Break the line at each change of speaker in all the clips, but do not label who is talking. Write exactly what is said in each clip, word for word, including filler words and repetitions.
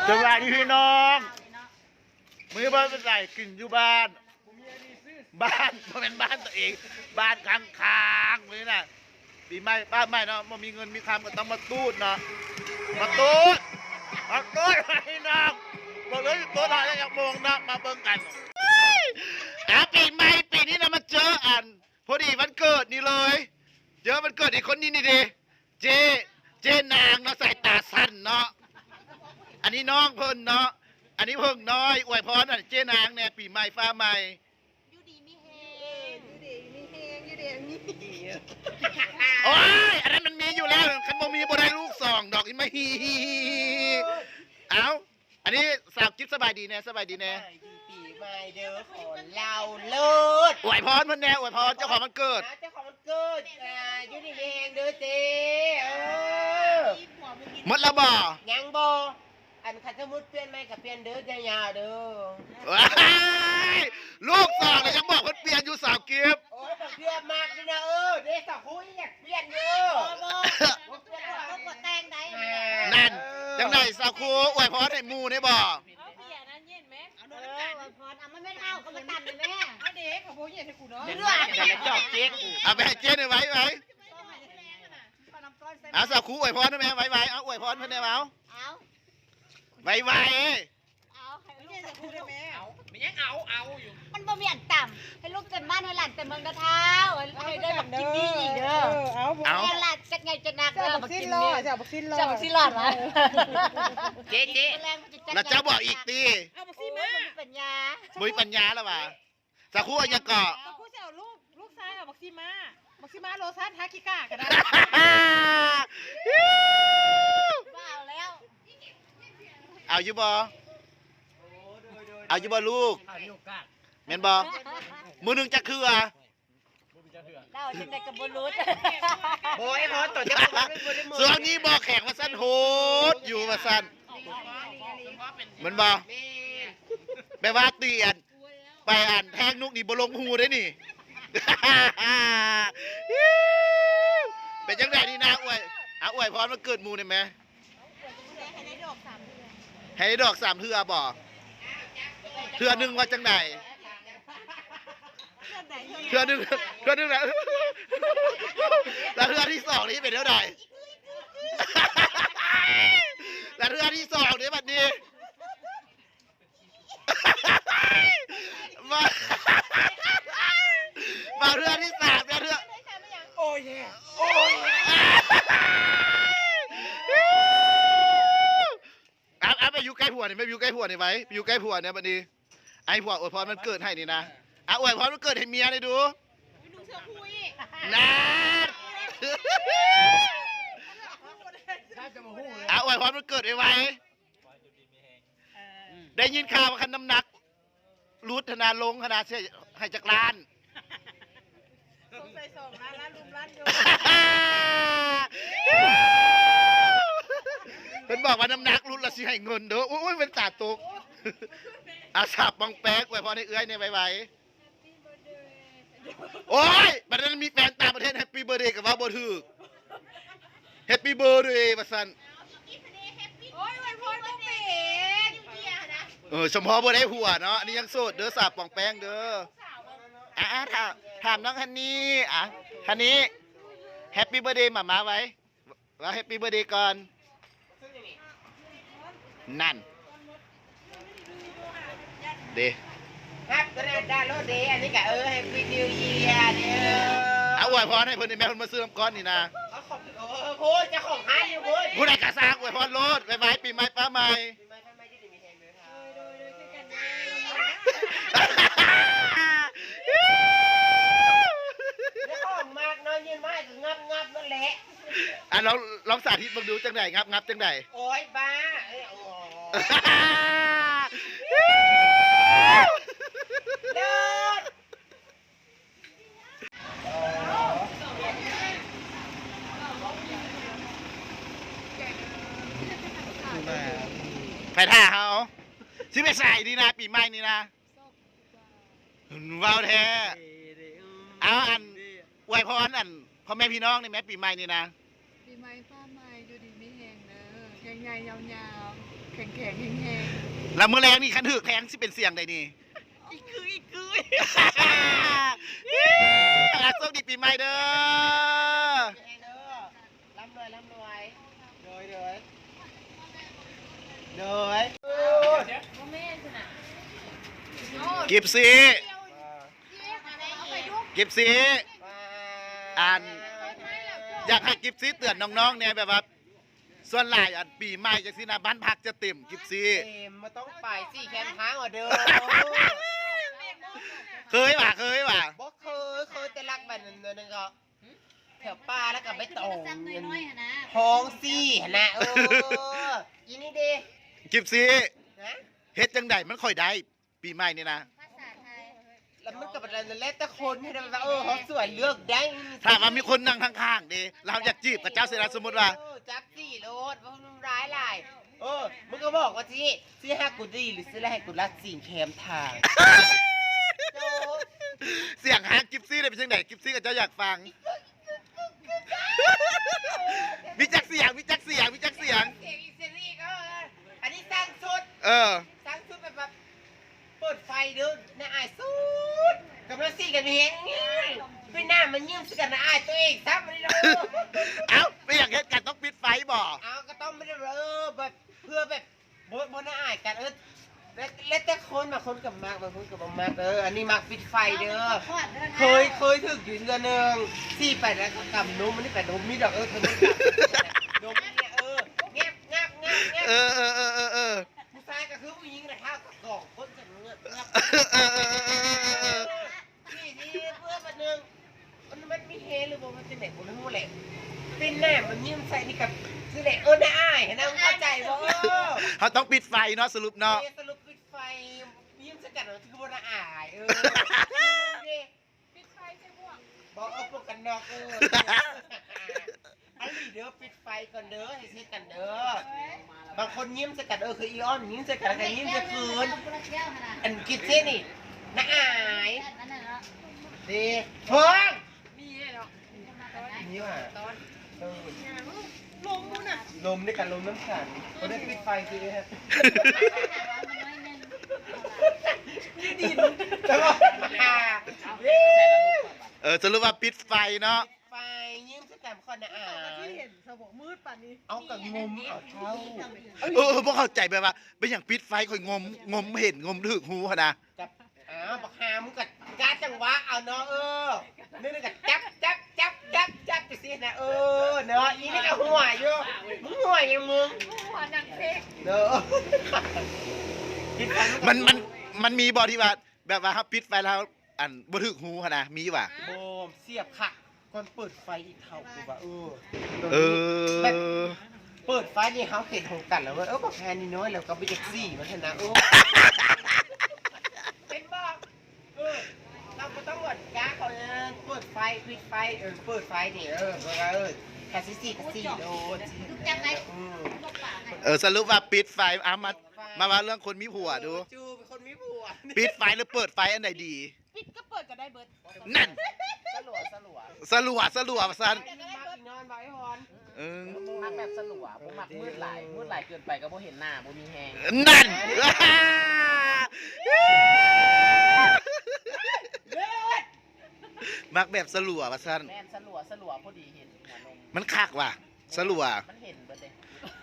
สบายดีพี่น้องมือบ้านเป็นไรกินอยู่บ้านบ้านมันเป็นบ้านตัวเองบ้านค้างๆเลยน่ะปีใหม่บ้านใหม่เนาะมันมีเงินมีคำก็ต้องมาตูดเนาะมาตูดมาตูดพี่น้องบอกเลยตัวหน่อยอยากมองนะมาเบิ่งกันอ่ะปีใหม่ปีนี้นะมาเจออันพอดีวันเกิดนี่เลยเจอวันเกิดอีกคนนี้นี่ดิเจเจนางเนาะใส่ตาสั้นเนาะอันนี้น้องเพิ่นเนาะอันนี้เพิ่งน้อยอวยพรอ่ะเจนางเนี่ยปีใหม่ฟ้าใหม่
ยูดีมีเฮงยูดีมีเฮงยูดีมี
โอ้ยอันนั้นมันมีอยู่แล้วคันบ่มีบ่ได้ลูกสองดอกอีไม่ฮีเอ้าอันนี้สาวกิ๊บสบายดีแน่สบายดีแน่
ปีใหม่เด้อขอเราเลิศ
อวยพรเพิ่นแน่อวยพรเจ้าของวันเกิด
เจ้าของวันเกิดอ่ายูดีมีเฮงเด้อเจ้เออ
หมดแล้วบ่
ยังบ่อันคันสมุดเปลี่ยนไหมกับเปลี่ยนเด้อยาวๆเด้อ
ลูกสองเลยยังบอกเพิ่นเปลี่ยนอยู่สาวกิ๊บ
โอ้ยมันเปลี่ยนมากนี่นะเออเด้สาวคุยอยากเปลี่ยนเด้อ
บ่บ่บ่บ่แต่งได้
นั่นจังได๋สาวครูอวยพรให้หมู่ได้บ่
เอาเบียร์นั้นเย็นไหมเอาโดนน้ำตาลพรเอามันไม่เท่าก็มาตัดเลยแม่เอาเด็กเขาบ่เย็นให้กูเนาะ
เรื่องจะจอกเจ๊ก
เอาไปให้เจ๊หน่อยไว้ไว้เอาสาวครูอวยพรได้ไหมไว้ไว้เอาอวยพรเพิ่นได้บ่เอา
เอา
ไว้ไว้
เอาให้ลูกจะพูดได้ไหม
เอาไม่ยังเอาเอาอยู่
มันบ่มีอันต่ำให้ลูกเต็มบ้านให้หลานเต็มเมืองกระเท้าให้ได้แบบกินดีอีกเด้อ
เอา
เอาหลานจัดไงจะนักเด้อ
มากินเลยจะมากินเลย
จะมาซิลอดมา
เจ๊เจ๊
แล้วจะบอกอีกตี
เอามาซิมาปัญญา
บุยปัญญาแล้วว่ะสาวครูยังเกาะ
สาวครูจะเอาลูกลูกชายกับบักซิมาบักซิมาโรซัสฮากิก้ากันได้
ว้าวแล้ว
เอาอยู่บ่เอาอยู่บ่ลูกแม่นบ่มือหนึ่งจะคืออ่ะ
เราจังได๋ก็บ่รู้
โอ้ยพอต่อจะบ่ได้บ่ได้มือ
ส่วนนี้บ่แข็งว่าซั่นโหดอยู่ว่าซั่นเหมือนบ่แม่ว่าเตียนไปอ่านแทงนุกนี่บ่ลงหูได้นี่เป็นจังได๋นี่นะอวยเอาอวยพรวันเกิดหมู่ได้มั้ยให้ได้ดอกสามเทื่อบ่เทื่อนึงว่าจังได๋เทื่อนึงเทื่อนึงแหละแล้วเทื่อที่สองนี่เป็นเท่าใดแล้วเทื่อที่สองนี่บัดนี้มามาเทื่อที่สามแล้วเทื่อ
โอ้ยโอ้ย
อ่ะอ่ะไปอยู่ใกล้ผัวนี่ไปอยู่ใกล้ผัวนี่ไว้ไปอยู่ใกล้ผัวเนี่ยบัดนี้ไอ้ผัวอวยพรมันเกิดให้นี่นะอ่ะอวยพรมันเกิดให้เมียได้ดู
ดูเสือคุย
นะอ่ะอวยพรมันเกิดไว้ไว้ได้ยินข่าวว่าคันน้ำหนักรูดธนาลงขนาดเสียให้จักรล้าน
สงสัยสองล้านล้านลุมล้านโย
เพิ่นบอกว่าน้ำหนักรุ่นละสิให้เงินเด้อโอ้ยเป็นตาตกอาสาบบังแป๊กไว้พอในเอื้อยในไวๆโอ้ยบัดนั้นมีแฟนต่างประเทศแฮปปี้เบิร์ธเดย์กับว่าบ่ถูกแฮปปี้เบิร์ธเดย์ว่าซั่น
โอ้ยวันพ่อบ่เป็น
เออสมพอบ่ได้ผัวเนาะอันนี้ยังโสดเด้อสาบบังแป๊กเด้ออ่ะถามถามน้องฮันนี่อ่ะฮันนี่แฮปปี้เบิร์ธเดย์หม่าม้าไว้ว่าแฮปปี้เบิร์ธเดย์ก่อนนั่นเด
ครับก็ได้ดาวน์โหลดเดย์อันนี้ก็เออให้วีนิวเยียร์เด้อ
เอาอวยพรให้เพิ่นแม่เพิ่นมาซื้อน้ำก้อนนี่นะ
เอาของเออโหเจ้าของร้านอยู่เว้ย
ผู้ใดกะซากอวยพรโลดไว้ๆปีใหม่ป้าใหม่
ปีใหม่ป้าใหม่ที่ดีมีแฮงเด้อครับ
โดยโดยคือกัน
เจ้าของมากน้อยยืนไม้ก็งับงับนั่นแหละ
อ่ะลองลองสาธิตเบิ่งดูจังได๋งับงับจังได๋
โอ้ยบ้าเอ้ยโอ้เลิศ
ไปท่าเฮาสิไปใส่ดีนะปีใหม่นี่นะว้าวแท้เอาอันอวยพรอันพ่อแม่พี่น้องนี่แม่ปีใหม่นี่นะ
ปีใหม่ฟ้าใหม่ดูดีไม่แห้งเด้อแห้งใหญ่ๆยาวๆแข็งๆแห้ง
แล้วมื้อแรงนี่คันถึกแทงสิเป็นเสียงใดนี่
ๆอีกคืออีกคือ
อ่ะสวัสดีปีใหม่เด้อ
ร่ำรวยร่ำรวยโดยโดยโดย
โมเมนต์น่ะ
กิบซีกิบซีอ่านอยากให้กิบซีเตือนน้องๆเนี่ยแบบว่าส่วนหลายอันปีใหม่จังซี่นะบ้านพักจะเต็มกิบซี
เอ็มมาต้องไปสี่แคมทางอ่ะเด้อ
เคยว่ะเคยว่ะ
บ่เคยเคยแต่รักแบบนึงนึงก็แถวป่าแล้วก็ไม่ตรงท้องซี่นะเอออีนี่ดิ
กิบซี
นะ
เฮ็ดจังไดมันค่อยได้ปีใหม่นี่นะ
แล้วมันก็เป็นอะไรเล่นแต่คนให้ได้แบบเออเขาสวยเลือกได้
ถ้าว่ามีคนนั่งข้างๆดิเราอยากจีบกับเจ้าเสนาสมมุติว่า
จับสี่โลดว่ามันร้ายหลายเออมึงก็บอกว่าสิสิให้กูดีหรือสิให้กูรัดสิ่งแคมทาง
เสียงหางกิฟซี่ได้เป็นจังไดกิฟซี่กับเจ้าอยากฟังมีจักเสียงมีจักเสียงมีจักเสียง
เสียงอีซีรีส์ก็อันนี้สร้างชุด
เออ
สร้างชุดแบบแบบเปิดไฟเด้อในอายสุดกับเราสี่กันเห็นพี่หน้ามันยิ้มสิกันในอายตัวเองซับมันเลย
เอ้าไม่อยากเฮ็ดกันต้องปิดไฟบ่
เอาก็ต้องไม่ได้เออแบบเพื่อแบบบนบนในอายกันเออเล่นแต่คนบางคนกับมากบางคนกับบางมากเอออันนี้มักปิดไฟเด้อเคยเคยถึกอยู่เดือนหนึ่งสี่ไปแล้วก็กำนมมันนี่ไปนมมีดอกเออเธอไม่กำนมเนี่ยเออแงบงับงับงับ
เออเออเออเออเออ
ผู้ชายก็คือผู้หญิงนะข้าวกับกล่องคนจะเงือกงับ
เออเออเออ
ที่ที่เพื่อบันนึงมันมันมีเฮหรือว่ามันจะไหนกูไม่รู้แหละเป็นแน่มันยิ้มใส่นี่กับคือแหละเออน่าอายเห็นไหมเข้าใจบ่เออ
เขาต้องปิดไฟเนาะสรุปเนาะ
สรุปปิดไฟยิ้มสกัดเราคือบ่น่าอายเออปิดไฟใช่พวกบอกเอาพวกกันนอกเอออันนี้เด้อปิดไฟก่อนเด้อให้เช็ดกันเด้อบางคนยิ้มสกัดเออคืออีออนยิ้มสกัดแต่ยิ้มจะคืนอันคิดเช่นนี่น่าอายดีเฮ้ย
ๆมีเนาะ
นี่ว่ะเออ
ลมนู่นน่ะ
ลมด้วยกันลมน้ำขันเขาได้ปิดไฟคือฮะดินแต่ว่าอ่า
เออสรุปว่าปิดไฟเนาะ
ไฟยิ้มสกัดคนน่ะอ่า
ที่เห็นสมองมืดป่านนี้
เอากับงมเอาเท้า
เออพวกเข้าใจแบบว่าเป็นอย่างปิดไฟค่อยงมงมเห็นงมถึกหูหั่นนะ
กับอ้าวบักฮามึงกัดกาจังหวะเอาเนาะเออนี่นี่กัดจับจับจับจับจับไปสินะเออเนาะอีนี่ก็หัวอยู่มึงหัวยังมึง
หัวหนังเซ็ก
เด้อ
มันมันมันมีบอที่ว่าแบบว่าครับปิดไฟแล้วอันบ่ถึกหูหั่นนะมีว่ะ
โบมเสียบค่ะคนเปิดไฟอีกเท่ากูว่าเออ
เออ
เปิดไฟนี่เขาเห็นของกันแล้วเว้ยเออบอกแพนนี่น้อยแล้วก็ไปจากสี่มันชนะโอ้เป็นบ้าเออเราก็ต้องหมดก้าเขาเนี่ยเปิดไฟปิดไฟเออเปิดไฟนี่เออเออเออแค่สี่สี่กับสี่โดนอืม
เออสรุปว่าปิดไฟเอามามาว่าเรื่องคนมีผัวดู
จูเป็นคนมีผัว
ปิดไฟหรือเปิดไฟอันไหนดี
ปิดก็เปิดก็ได้เบิด
นั่น
สลัวสลัว
สลัวสลัวซัน
มากอีกนอนบ่อยฮอน
เออ
มักแบบสลัวผมมักมืดหลายมืดหลายเกินไปก็บ่เห็นหน้าบ่มีแฮง
นั่น มักแบบสลัวว่าซัน
แม่นสลัวสลัวพอดีเห็นหัวนม
มันคักว่ะสลัว
มันเห็นเบิดเลย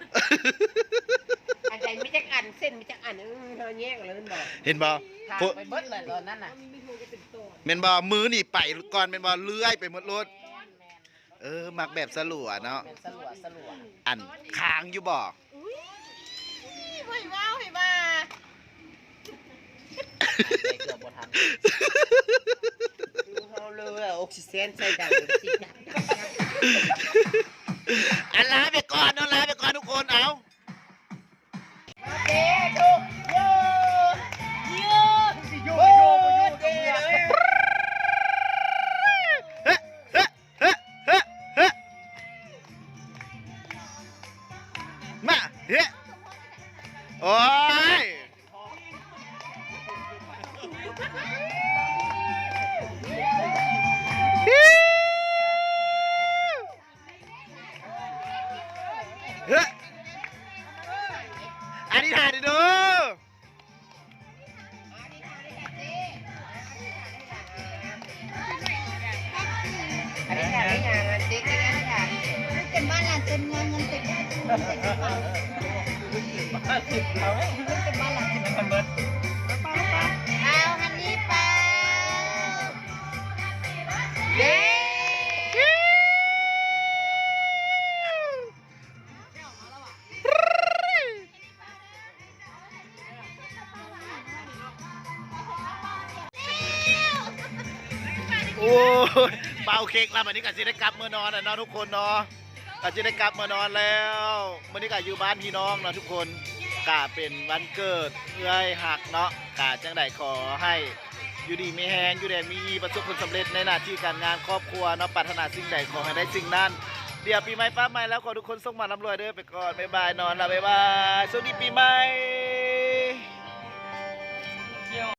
อันใดไม่จักอันเส้นไม่จักอันเออเธอแยกเลยมันบอก
เห็นบ่
ทางไปเบิดเลยตอนนั้นน่ะ
เมนบ่มือนี่ไปก่อนเมนบ่เลื้อยไปหมดรถ
แม่นแม่น
เออ มักแบบสลัวเนาะ
เป็นสลัวสลัว
อันค้างอยู่บ่
ไม่ว้าวให้มา
หายใจเกือบบ่ทัน
ดูเขาเลยอะออกซิเจนใส่ดังสิจับ
อันลาไปก่อนเอาลาไปก่อนทุกคนเอา
เด็กดูโยโยโยโยเด็กเลย
เฮ้เฮ้เฮ้เฮ้เฮ้มาเฮ้โอ้ยเฮ้อธิษฐานดิดู
อันนี้ค่ะนี่ค่ะเด็กนี่ค่ะ
เป็นบ้านหลังเต็มเงินเงินเต็มเงินเต็มกระเป๋า
เอาไหม
เป็นบ้านหลังเต็ม
มันเบิด
เอาฮันนี่ไปเย้
โอ้ยเป่าเค้กแล้ววันนี้ก็จะได้กลับเมื่อนอนอ่ะเนาะทุกคนเนาะก็จะได้กลับเมื่อนอนแล้ววันนี้ก็อยู่บ้านพี่น้องเนาะทุกคนกาเป็นวันเกิดเอื้อยหักเนาะกาจังใดขอให้อยู่ดีมีแฮงอยู่แดนมีประสบผลสำเร็จในหน้าที่การงานครอบครัวเนาะปรารถนาสิ่งใดขอให้ได้สิ่งนั้นเดี๋ยวปีใหม่ป้าใหม่แล้วขอทุกคนส่งมาร่ำรวยเด้อไปก่อนบ๊ายบายนอนละบ๊ายบายสวัสดีปีใหม่